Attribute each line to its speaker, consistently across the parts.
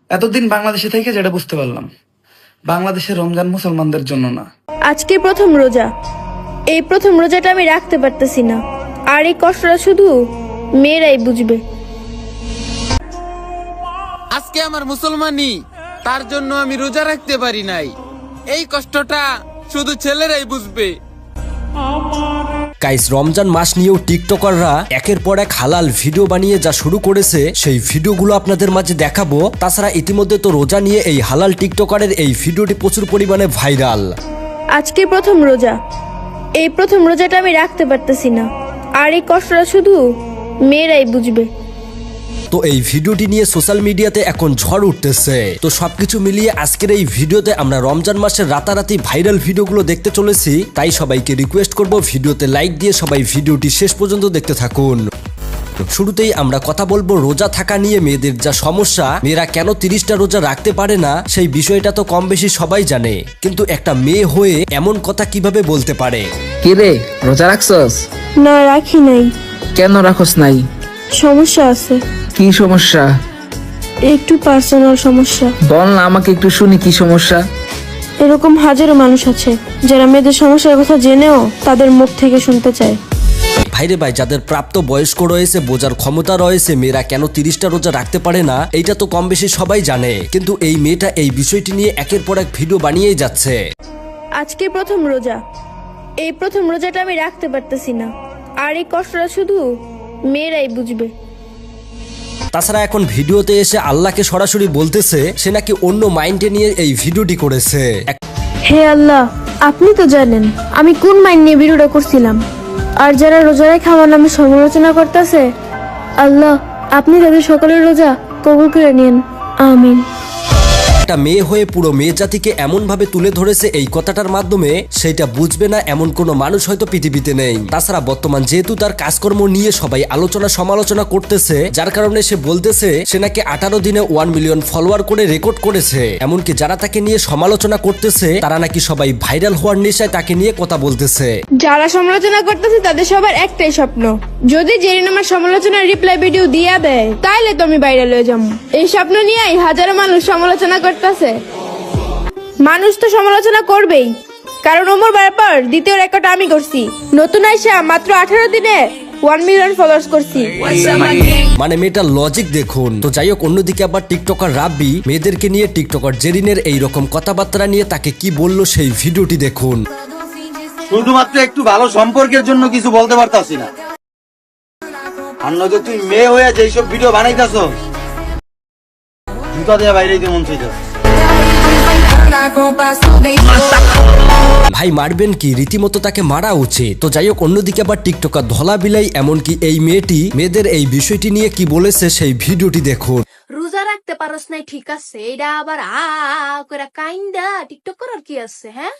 Speaker 1: এতদিন বাংলাদেশে থেকে যেটা বুঝতে পারলাম, বাংলাদেশের রমজান মুসলমানদের জন্য না।
Speaker 2: আজকে প্রথম রোজা, এই প্রথম রোজাটা আমি রাখতে পারতেছি না, আর এই কষ্টটা শুধু মেয়েরাই বুঝবে।
Speaker 3: আজকে আমার মুসলমানি, তার জন্য আমি রোজা রাখতে পারি নাই। এই কষ্টটা শুধু ছেলেরাই বুঝবে।
Speaker 4: গাইস, রমজান মাস নিয়েও টিকটকাররা একের পর এক হালাল ভিডিও বানিয়ে যা শুরু করেছে, সেই ভিডিওগুলো আপনাদের মাঝে দেখাবো। তাছাড়া ইতিমধ্যে তো রোজা নিয়ে এই হালাল টিকটকারের এই ভিডিওটি প্রচুর পরিমাণে ভাইরাল।
Speaker 2: আজকে প্রথম রোজা, এই প্রথম রোজাটা আমি রাখতে পারতেছি না, আর এই কষ্টটা শুধু মেয়েরাই বুঝবে।
Speaker 4: তো এই ভিডিওটি নিয়ে সোশ্যাল মিডিয়াতে এখন ঝড় উঠতেছে। তো সবকিছু মিলিয়ে আজকের এই ভিডিওতে আমরা রমজান মাসের রাতারাতি ভাইরাল ভিডিওগুলো দেখতে চলেছি। তাই সবাইকে রিকোয়েস্ট করব ভিডিওতে লাইক দিয়ে সবাই ভিডিওটি শেষ পর্যন্ত দেখতে থাকুন। শুরুতেই আমরা কথা বলবো রোজা থাকা নিয়ে মেয়েদের যা সমস্যা, মেয়েরা কেন 30টা রোজা রাখতে পারে না সেই বিষয়টা তো কম বেশি সবাই জানে, কিন্তু একটা মেয়ে হয়ে এমন কথা কিভাবে বলতে পারে?
Speaker 5: কি রে, রোজা রাখছস?
Speaker 2: না, রাখি নাই।
Speaker 5: কেন রাখস নাই?
Speaker 2: সমস্যা আছে।
Speaker 5: কি সমস্যা?
Speaker 2: একটু পার্সোনাল সমস্যা।
Speaker 5: বল না, আমাকে একটু শুনি কি সমস্যা।
Speaker 2: এরকম হাজারো মানুষ আছে যারা মেয়েদের সমস্যার কথা জেনেও তাদের মুখ থেকে শুনতে চায়।
Speaker 4: ভাইরে ভাই, যাদের প্রাপ্ত বয়স্ক রয়েছে, বোঝার ক্ষমতা রয়েছে, মেয়েরা কেন 30টা রোজা রাখতে পারে না এইটা তো কম বেশি সবাই জানে, কিন্তু এই মেয়েটা এই বিষয়টি নিয়ে একের পর এক ভিডিও বানিয়েই যাচ্ছে।
Speaker 2: আজকে প্রথম রোজা, এই প্রথম রোজাটা আমি রাখতে পারতেছি না, আর এই কষ্টটা শুধু মেয়েরাই বুঝবে।
Speaker 4: তাছাড়া এখন ভিডিওতে এসে আল্লাহকে সরাসরি বলতেছে সে নাকি অন্য মাইন্ডে নিয়ে এই ভিডিওটি করেছে।
Speaker 2: হে আল্লাহ, আপনি তো জানেন আমি কোন মাইন্ড নিয়ে ভিডিওটা করছিলাম, আর যারা রোজা রেখে আমার নামে সমালোচনা করতেছে, আল্লাহ আপনি তাদের সকলের রোজা কবুল করে নিন, আমিন।
Speaker 4: একটা মেয়ে হয়ে পুরো মেয়ে জাতিকে এমন ভাবে তুলে ধরেছে এই কথাটার মাধ্যমে, সেটা বুঝবে না এমন কোনো মানুষ হয়তো পৃথিবীতে নেই। তাছাড়া বর্তমান যেহেতু তার কাজকর্ম নিয়ে সবাই আলোচনা সমালোচনা করতেছে, যার কারণে সে বলতেছে সে নাকি 18 দিনে 1 মিলিয়ন ফলোয়ার করে রেকর্ড করেছে। এমনকি যারা তাকে নিয়ে সমালোচনা করতেছে তারা নাকি সবাই ভাইরাল হওয়ার নেশায় তাকে নিয়ে কথা বলতেছে।
Speaker 2: যারা সমালোচনা করতেছে তাদের সবার একটাই স্বপ্ন, যদি জেরিন আমার সমালোচনার রিপ্লাই ভিডিও দিয়া দেয় তাইলে তো আমি ভাইরাল হয়ে যাবো। এই স্বপ্ন নিয়েই হাজারো মানুষ সমালোচনা করতেছে। মানুষ তো সমালোচনা করবেই, কারণ ওমর ব্যাপার দ্বিতীয় রেকর্ড আমি করছি। নতুন আইসা মাত্র 18 দিনে 1 মিলিয়ন ফলোয়ার্স করছি।
Speaker 4: মানে মেয়েটার লজিক দেখুন। তো যাই হোক, অন্যদিকে আবার টিকটকার রাব্বি মেয়েদেরকে নিয়ে টিকটকার জেরিনের এইরকম কথাবার্তা নিয়ে তাকে কি বললো সেই ভিডিওটি দেখুন।
Speaker 6: শুধুমাত্র একটু ভালো সম্পর্কের জন্য কিছু বলতে পারতাছি না, আর নয়তো তুই মেয়ে হয়ে যেসব ভিডিও বানাইতাছ জুতা দিয়ে বাইরে দিতে মন চাইতাছ।
Speaker 4: ভাই মারবেন কি, রীতিমতো তাকে মারা উচিত। তো যাই হোক, অন্যদিকে আবার টিকটকার ধলা বিলাই এমনকি এই মেয়েটি মেয়েদের এই বিষয়টি নিয়ে কি বলেছে সেই ভিডিওটি দেখুন।
Speaker 7: রোজা রাখতে পারস নাই ঠিক আছে, এটা আবার করে কাইন্দা টিকটক করার কি আছে? হ্যাঁ,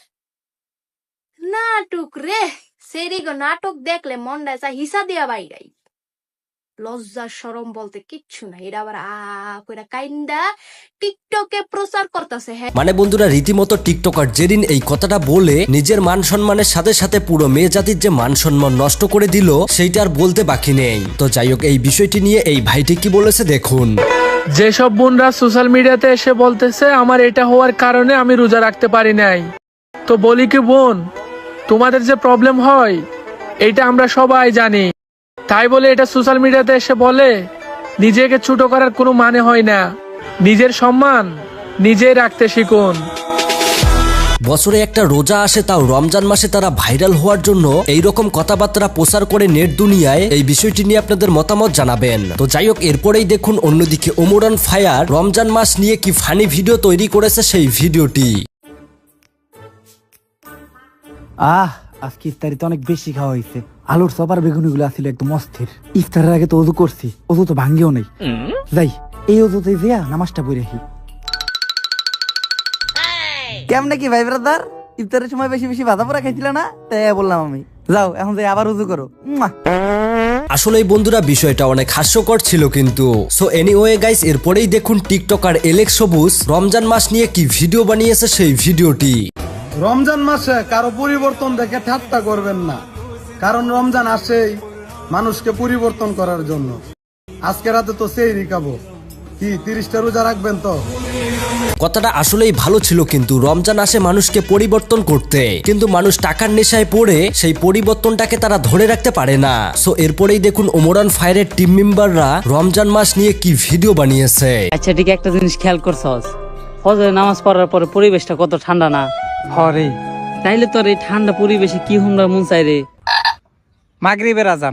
Speaker 7: নাটক রে সেরি গো, নাটক দেখলে মনটা চাই হিসা দিয়া বাইরাই। লজ্জা শরম বলতে কিচ্ছু নাই, এটা আবার করে কাইন্দা টিকটকে প্রচার করতেছে। হ্যাঁ,
Speaker 4: মানে বন্ধুরা, রীতিমতো টিকটকার জেরিন এই কথাটা বলে নিজের মান সম্মানের সাথে সাথে পুরো মেয়ে জাতির যে মান সম্মান নষ্ট করে দিল সেইটা আর বলতে বাকি নেই। তো যাই হোক, এই বিষয়টি নিয়ে এই ভাইটি কি বলেছে দেখুন।
Speaker 8: যেসব বোনরা সোশ্যাল মিডিয়াতে এসে বলতেছে আমার এটা হওয়ার কারণে আমি রোজা রাখতে পারি নাই, তো বলি কি বোন, তোমাদের যে প্রবলেম হয় এটা আমরা সবাই জানি, তাই বলে এটা সোশ্যাল মিডিয়াতে এসে বলে নিজেকে ছোট করার কোনো মানে হয় না। নিজের সম্মান নিজেই রাখতে শিখুন।
Speaker 4: বছরে একটা রোজা আসে, তাও রমজান মাসে তারা ভাইরাল হওয়ার জন্য এইরকম কথাবার্তা প্রচার করে নেট দুনিয়ায়। এই বিষয়টি নিয়ে আপনাদের মতামত জানাবেন। তো যাই হোক, এরপরেই দেখুন অন্যদিকে ওমরান ফায়ার রমজান মাস নিয়ে কি ফানি ভিডিও তৈরি করেছে সেই ভিডিওটি।
Speaker 9: আজকে ইফতারিতে অনেক বেশি খাওয়া হয়েছে। আলুর চপ আর বেগুনি গুলো আসছিল একদম অস্থির। ইফতারের আগে তো অজু করছি, অজু তো ভাঙ্গিও নেই। যাই এই অজুতে যেয়া নামাজটা পড়ে রাখি।
Speaker 10: কেমনে কি ভাই ব্রাদার, ইফতারের সময় বেশি বেশি ভাজা পোড়া খাইছিল না, তাই বললাম আমি। যাও এখন যাই আবার উজু করো।
Speaker 4: আসলে বন্ধুরা, বিষয়টা অনেক হাস্যকর ছিল কিন্তু। সো এনিওয়ে গাইস, এরপরেই দেখুন টিকটকার এলেক্স সবুজ রমজান মাস নিয়ে কি ভিডিও বানিয়েছে সেই ভিডিওটি।
Speaker 11: রমজান মাসে কারো পরিবর্তন দেখে ঠাট্টা করবেন না, কারণ রমজান আসেই মানুষকে পরিবর্তন করার জন্য। আজকে রাতে তো সেহরি খাবো, কি 30টা রোজা রাখবেন তো?
Speaker 4: কথাটা আসলেই ভালো ছিল, কিন্তু রমজান আসে মানুষকে পরিবর্তন করতে, কিন্তু মানুষ টাকার নেশায় পড়ে সেই পরিবর্তনটাকে তারা ধরে রাখতে পারে না। সো এরপরেই দেখুন ওমরান ফায়ারের টিম মেম্বাররা রমজান মাস নিয়ে কি ভিডিও বানিয়েছে।
Speaker 12: আচ্ছা ঠিক একটা জিনিস খেয়াল করছস, ফজরের নামাজ পড়ার পরে পরিবেশটা কত ঠান্ডা না?
Speaker 5: হরে
Speaker 12: তাইলে তোর এই ঠান্ডা পরিবেশে কি হুমরা মন চাই রে?
Speaker 5: মাগরিবের আজান।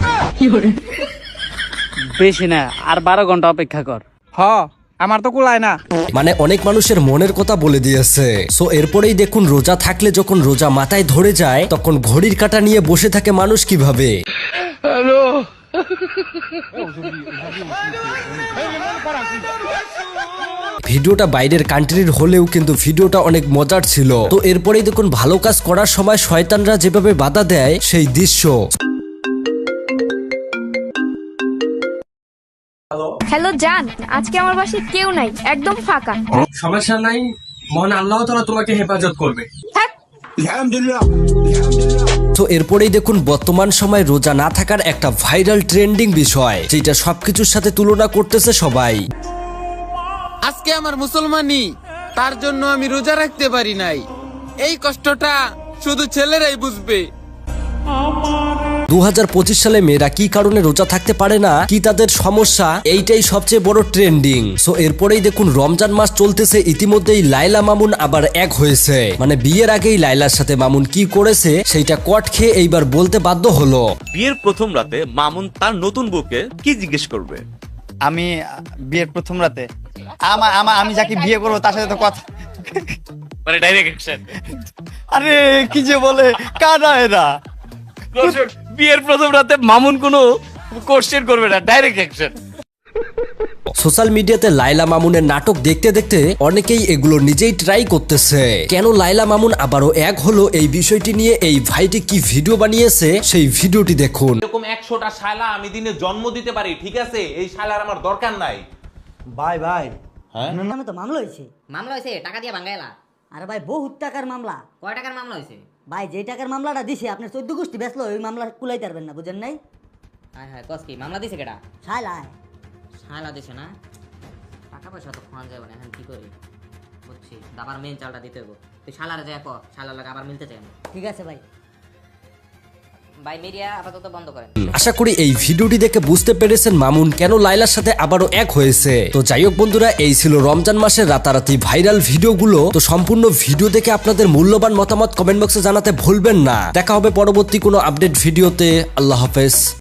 Speaker 12: বেশি না, আর 12 ঘন্টা অপেক্ষা কর।
Speaker 5: হ আমার তো কুলায় না।
Speaker 4: মানে অনেক মানুষের মনের কথা বলে দিয়েছে। সো এরপরেই দেখুন রোজা থাকলে যখন রোজা মাথায় ধরে যায় তখন ঘড়ির কাঁটা নিয়ে বসে থাকে মানুষ কিভাবে। ভিডিওটা বাইরের কান্ট্রির হলেও কিন্তু ভিডিওটা অনেক মজার ছিল। তো এরপরেই দেখুন ভালো কাজ করার সময় শয়তানরা যেভাবে বাধা দেয় সেই দৃশ্য।
Speaker 2: হ্যালো জান, আজকে আমার বাসায় কেউ নাই, একদম ফাঁকা।
Speaker 13: সমস্যা নাই, মহান আল্লাহ তাআলা তোমাকে হেফাজত করবে।
Speaker 4: তো এরপরেই দেখুন বর্তমান সময় রোজা না থাকার একটা ভাইরাল ট্রেন্ডিং বিষয়, যেটা সবকিছুর সাথে তুলনা করতেছে সবাই।
Speaker 3: আজকে আমার মুসলমানি, তার জন্য আমি রোজা রাখতে পারি নাই। এই কষ্টটা শুধু ছেলেরাই বুঝবে।
Speaker 4: 2025 সালে মেয়েরা কি কারণে রোজা থাকতে পারে না, কি তাদের সমস্যা, এইটাই সবচেয়ে বড় ট্রেন্ডিং। সো এরপরেই দেখুন রমজান মাস চলতেছে, ইতিমধ্যেই লাইলা মামুন আবার এক হয়েছে। মানে বিয়ের আগেই লাইলার সাথে মামুন কি করেছে সেইটা কট খেয়ে এইবার বলতে বাধ্য হলো।
Speaker 14: বিয়ের প্রথম রাতে মামুন তার নতুন বউকে কি জিজ্ঞেস করবে?
Speaker 10: আমি বিয়ের প্রথম রাতে আমি যাকে বিয়ে করবো তার সাথে তো কথা,
Speaker 14: মানে ডাইরেক্ট অ্যাকশন।
Speaker 10: আরে কি যে বলে কানা এরা।
Speaker 14: বিয়ের প্রথম রাতে মামুন কোনো কোশ্চেন করবে না, ডাইরেক্ট অ্যাকশন।
Speaker 4: সোশ্যাল মিডিয়াতে লাইলা মামুনের নাটক দেখতে দেখতে অনেকেই এগুলো নিজেই ট্রাই করতেছে। কেন লাইলা মামুন আবারও এক হলো, এই বিষয়টি নিয়ে এই ভাইটি কি ভিডিও বানিয়েছে সেই ভিডিওটি দেখুন।
Speaker 15: এরকম 100টা শালা আমি দিনে জন্ম দিতে পারি, ঠিক আছে? এই শালার আমার দরকার নাই।
Speaker 10: ভাই
Speaker 15: হ্যাঁ
Speaker 16: নামে তো মামলা হয়েছে টাকা দিয়ে ভাঙাইলা। আরে ভাই বহুত টাকার মামলা। কয় টাকার মামলা হয়েছে? ভাই যে টাকার মামলাটা দিছে আপনার 14 গোষ্ঠী বেচলো, ওই মামলা কুলাইতে পারবেন না, বুঝেন নাই? হ্যাঁ হ্যাঁ কস কি মামলা দিছে কেডা? শালা দিছে না, টাকা পয়সা তো খাওয়া যাবে না, এখন কি করি বুঝছি, আবার মেন চালটা দিতে হবে। তুই শালারে যাই কো, শালার লাগে আবার মিলতে চাই না। ঠিক আছে ভাই, ভাই মিডিয়া আপাতত বন্ধ করেন।
Speaker 4: আশা করি এই ভিডিওটি দেখে বুঝতে পেরেছেন মামুন কেন লাইলার সাথে আবারও এক হয়েছে। তো যাই হোক বন্ধুরা, এই ছিল রমজান মাসের রাতারাতি ভাইরাল ভিডিওগুলো। তো সম্পূর্ণ ভিডিও দেখে আপনাদের মূল্যবান মতামত কমেন্ট বক্সে জানাতে ভুলবেন না। দেখা হবে পরবর্তী কোনো আপডেট ভিডিওতে। আল্লাহ হাফেজ।